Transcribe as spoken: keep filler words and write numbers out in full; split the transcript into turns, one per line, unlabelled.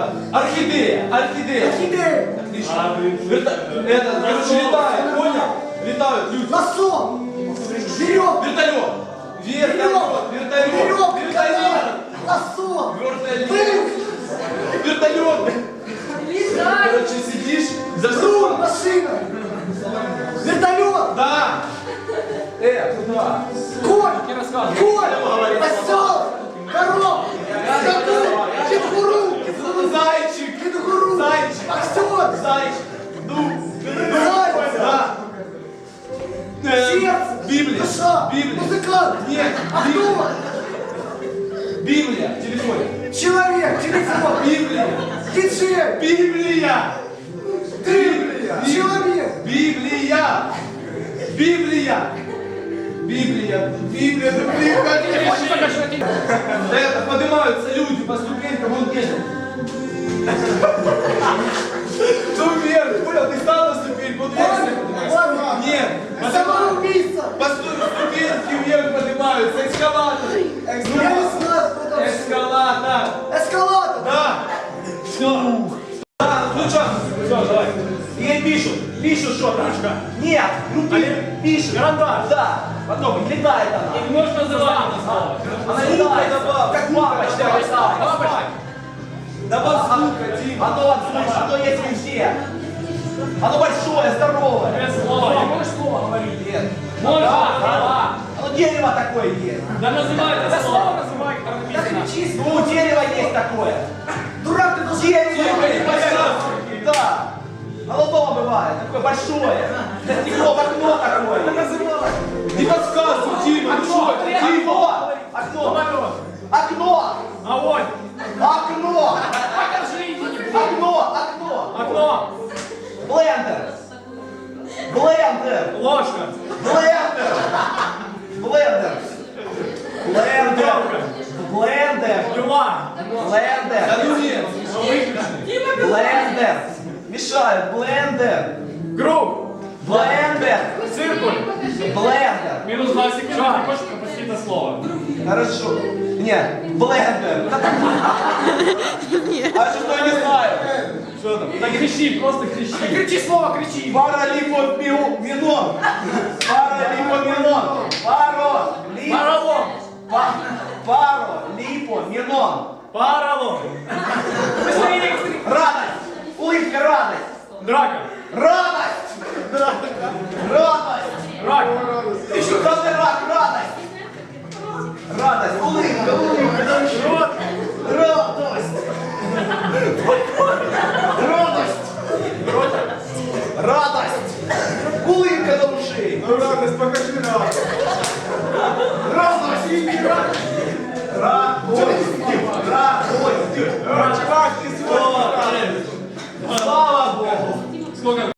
Это, орхидея, орхидея.
Орхидея.
Отлично. Верта- Это, короче, летает, понял? Летают люди.
Лосо. Веревка.
Вертолет. Вертолет. Вертолет.
Веревка.
Вертолет.
Лосо.
Вертолет. Вертолет. Короче, сидишь за
Руль.
рулем.
Машина. Вертолет.
Да. Э, куда?
Конь. Конь. Осел. Корова. Скакун. Кенгуру.
Зайчик.
Кенгуру.
Зайчик.
Актер.
Зайчик. Ну.
Заяц.
Да. Э,
Сердце.
Библия.
Душа.
Библия.
Музыкант.
Нет.
Актер.
Библия. Телефон.
Человек. Телефон.
Библия.
Диджей.
Библия.
Ты. Человек.
Библия. Библия. Библия. Библия. Библия. Это поднимаются люди по ступенькам, вон едет. Ну вверх, понял, ты стал на ступеньку, вот вверх. Нет,
Самоубийца.
по ступеньке вверх поднимаются, эскалатор.
Я не знаю, кто там.
Эскалатор.
Эскалатор.
Да. Все. Да, ну что? Все, давай. И пишут, пишут что-то. Нет, ну пишут. Карандаш. Да. Потом летает она.
Их можно называть.
Она летает, как бабочка. Бабочка. Давай звука, Дима. Оно от звука, что есть везде. Оно большое, здоровое.
Без слова. Можешь слово говорить?
Нет.
Можно,
Да,
да.
Оно дерево такое есть.
Да называй это слово. Называй, как написано.
Ну, у дерева есть такое.
Дурак ты должен.
Дерево. Да. Оно дома бывает, такое большое. Стекло в окно такое. Не подсказывай, Дима.
Окно,
Окно. Окно. Окно.
Огонь.
Окно.
Покажи, иди.
Окно. Окно.
Окно.
Блендер. Блендер.
Ложка.
Блендер. Блендер. Блендер. Блендер.
Пила.
Блендер. Да ну нет. Блендер. Мешают. Блендер.
Круг.
Блендер.
Циркуль.
Блендер.
Минус два секунды. Ты хочешь пропустить это слово?
Хорошо. Нет. Блендер. А что я не знаю? Что там?
Да кричи, просто кричи. Кричи слово, кричи.
Паралипоменон. Паралипоменон. Паро. Лип.
Паралон.
Па- Паро. Липоменон.
Паралон. Быстрее.
Радость. Улыбка, радость.
Драка.
Радость. Радость.
Рак.
Еще главный рак, радость. Радость, улыбка, улыбка.
Рот.
Радость. Радость. Радость. Улыбка до ушей.
Ну радость, покажи радость.
Радость. Радость. Радость.
Чувак, ты сегодня радость.
Слава Богу.
Сколько?